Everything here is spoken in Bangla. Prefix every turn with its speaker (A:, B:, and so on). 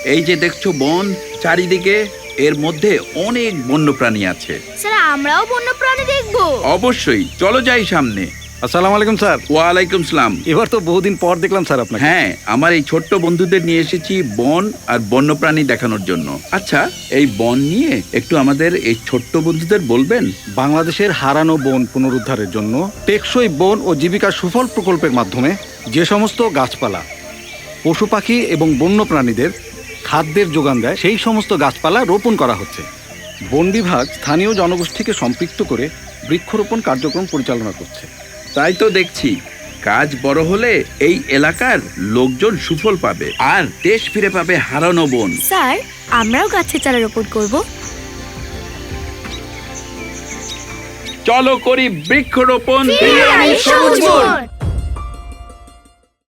A: এই যে দেখছো বন চারিদিকে, এর মধ্যে অনেক বন্যপ্রাণী আছে।
B: স্যার আমরাও বন্যপ্রাণী দেখবো?
A: অবশ্যই, চলো যাই সামনে।
C: আসসালামু আলাইকুম স্যার।
A: ওয়ালাইকুম সালাম।
C: এবার তো বহুদিন পর দেখলাম স্যার আপনাকে।
A: হ্যাঁ, আমার এই ছোট্ট বন্ধুদের নিয়ে এসেছি বন আর বন্যপ্রাণী দেখানোর জন্য। আচ্ছা, এই বন নিয়ে একটু আমাদের এই ছোট্ট বন্ধুদের বলবেন?
C: বাংলাদেশের হারানো বন পুনরুদ্ধারের জন্য টেকসই বন ও জীবিকা সুফল প্রকল্পের মাধ্যমে যে সমস্ত গাছপালা, পশু পাখি এবং বন্য প্রাণীদের খাদ্যের যোগান দেয়, সেই সমস্ত গাছপালা রোপণ করা হচ্ছে। বন বিভাগ স্থানীয় জনগোষ্ঠীকে সম্পৃক্ত করে বৃক্ষরোপণ কার্যক্রম পরিচালনা করছে।
A: তাই তো দেখছি, কাজ বড় হলে এই এলাকার লোকজন সুফল পাবে আর দেশ ফিরে পাবে হারানো বন।
B: স্যার আমরাও গাছের চারা রোপণ করবো।
A: চলো করি বৃক্ষরোপণ।
B: সবুজ বন।